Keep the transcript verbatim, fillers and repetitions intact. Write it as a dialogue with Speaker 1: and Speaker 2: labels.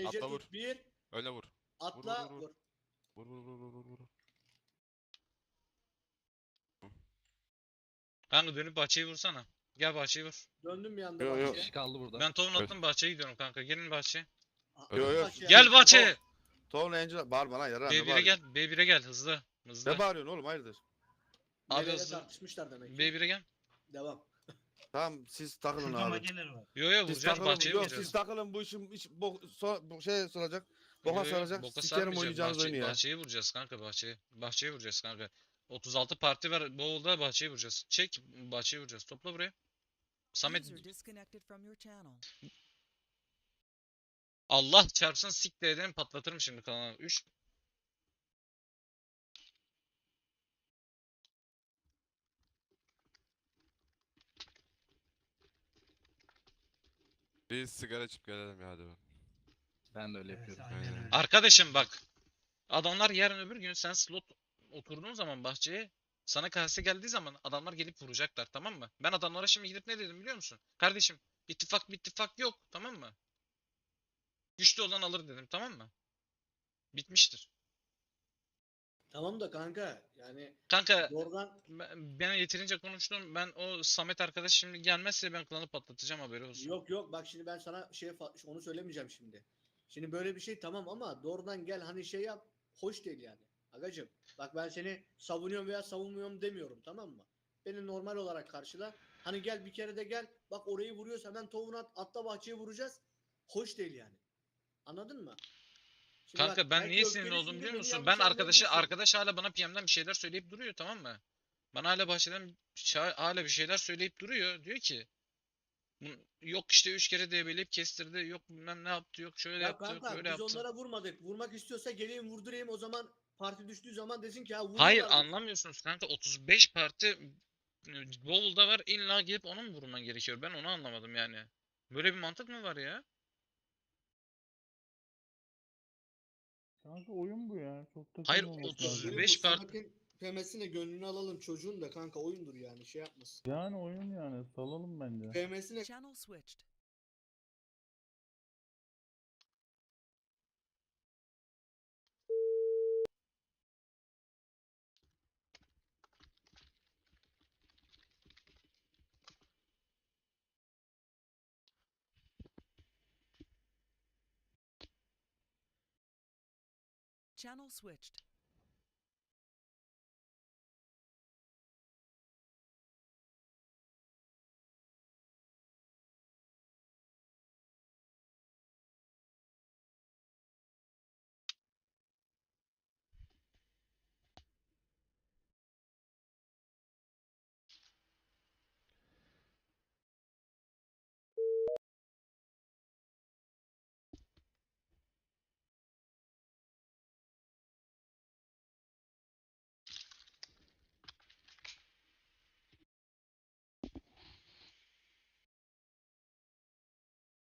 Speaker 1: Mece
Speaker 2: Atla vur.
Speaker 1: tut bir.
Speaker 2: Öyle vur.
Speaker 1: Atla
Speaker 2: vur, vur.
Speaker 1: vur.
Speaker 2: Vur vur vur vur vur. vur.
Speaker 3: Kanka dönüp bahçeyi vursana. Gel bahçeyi vur.
Speaker 1: Döndüm bir anda
Speaker 2: Yo, yo.
Speaker 4: Bir
Speaker 1: bahçeye.
Speaker 4: kişi kaldı burada.
Speaker 3: Ben tohum
Speaker 2: Evet.
Speaker 3: attım bahçeye gidiyorum kanka. Gelin bahçeye.
Speaker 1: A-
Speaker 2: Yo,
Speaker 1: at
Speaker 2: yo.
Speaker 1: bahçeye.
Speaker 3: Gel bahçeye.
Speaker 2: Tom Angel bağırma lan yara.
Speaker 3: B bir'e gel. B bir'e gel hızlı. Hızlı.
Speaker 2: Ne bağırıyorsun oğlum hayırdır?
Speaker 3: Abi
Speaker 1: Nereyle
Speaker 3: hızlı.
Speaker 1: tartışmışlar demek ki.
Speaker 3: B bir'e gel.
Speaker 1: Devam.
Speaker 2: Tamam siz takılın
Speaker 5: Şurada
Speaker 2: abi.
Speaker 5: mageler var.
Speaker 3: Yo yo
Speaker 2: Siz
Speaker 3: vuracağız
Speaker 2: takılın.
Speaker 3: bahçeye
Speaker 2: Yok
Speaker 3: vuracağız.
Speaker 2: siz takılın bu işin iş, bo, so, bu şey soracak.
Speaker 3: Yo,
Speaker 2: Boka
Speaker 3: yo,
Speaker 2: saracak.
Speaker 3: boka
Speaker 2: Sikerim
Speaker 3: sarmayacak.
Speaker 2: oynayacağınız
Speaker 3: Bahçe-
Speaker 2: oyunu ya.
Speaker 3: Bahçeye vuracağız kanka bahçeye. Bahçeye vuracağız kanka. otuz altı parti var. Bowl'da bahçeye vuracağız. Çek bahçeye vuracağız. Topla buraya. Samet
Speaker 6: User disconnected from your channel.
Speaker 3: Allah çarpsın siktir edelim patlatırım şimdi kanalı. üç
Speaker 2: Biz sigara içip gelelim ya hadi.
Speaker 4: Ben de öyle
Speaker 5: Evet,
Speaker 4: yapıyorum.
Speaker 5: aynen
Speaker 2: Aynen.
Speaker 5: öyle.
Speaker 3: Arkadaşım bak. Adamlar yarın öbür gün sen slot oturduğun zaman bahçeye sana kase geldiği zaman adamlar gelip vuracaklar tamam mı? Ben adamlara şimdi gidip ne dedim biliyor musun? Kardeşim ittifak ittifak yok tamam mı? Güçlü olan alır dedim tamam mı? Bitmiştir.
Speaker 1: Tamam da kanka yani
Speaker 3: Kanka
Speaker 1: Dorgan
Speaker 3: ben, ben yeterince konuştum. Ben o Samet arkadaş şimdi gelmezse ben klanı patlatacağım haberi olsun.
Speaker 1: yok yok bak şimdi ben sana şey fa- onu söylemeyeceğim şimdi. Şimdi böyle bir şey tamam ama doğrudan gel hani şey yap hoş değil yani. Agacım bak ben seni savunuyorum veya savunmuyorum demiyorum tamam mı? Beni normal olarak karşıla. Hani gel bir kere de gel bak orayı vuruyorsa hemen tavuğunu at, atla bahçeye vuracağız. Hoş değil yani. Anladın mı? Şimdi
Speaker 3: Kanka
Speaker 1: bak,
Speaker 3: ben
Speaker 1: belki
Speaker 3: niye sinirli oldum
Speaker 1: öfkelisindir,
Speaker 3: biliyor
Speaker 1: beni
Speaker 3: musun?
Speaker 1: yanlış
Speaker 3: Ben arkadaşı
Speaker 1: anlayabilirsin.
Speaker 3: arkadaş hala bana P M'den bir şeyler söyleyip duruyor tamam mı? Bana hala bahçeden şa- hala bir şeyler söyleyip duruyor. Diyor ki "Bu- yok işte üç kere debeleyip kestirdi. Yok bilmem ne yaptı. Yok şöyle
Speaker 1: Ya
Speaker 3: yaptı. Yok
Speaker 1: kanka
Speaker 3: böyle
Speaker 1: biz
Speaker 3: yaptı.
Speaker 1: onlara vurmadık. Vurmak istiyorsa geleyim vurdurayım o zaman parti düştüğü zaman desin ki ha
Speaker 3: Hayır
Speaker 1: vuruyorlar.
Speaker 3: anlamıyorsunuz kanka. otuz beş parti e, Bowl'da var. İlla gelip ona mı vurman gerekiyor? Ben onu anlamadım yani. Böyle bir mantık mı var ya?
Speaker 7: Kanka oyun bu ya. Çok
Speaker 3: Hayır,
Speaker 7: takılmamak
Speaker 3: otuz
Speaker 7: lazım.
Speaker 1: Oyun
Speaker 3: beş
Speaker 1: bu,
Speaker 3: part-
Speaker 1: Samet'in P M'sine gönlünü alalım çocuğun da kanka oyundur yani şey yapmasın.
Speaker 7: Yani oyun yani. Salalım bence.
Speaker 1: P M'sine
Speaker 6: Channel switched. Channel switched.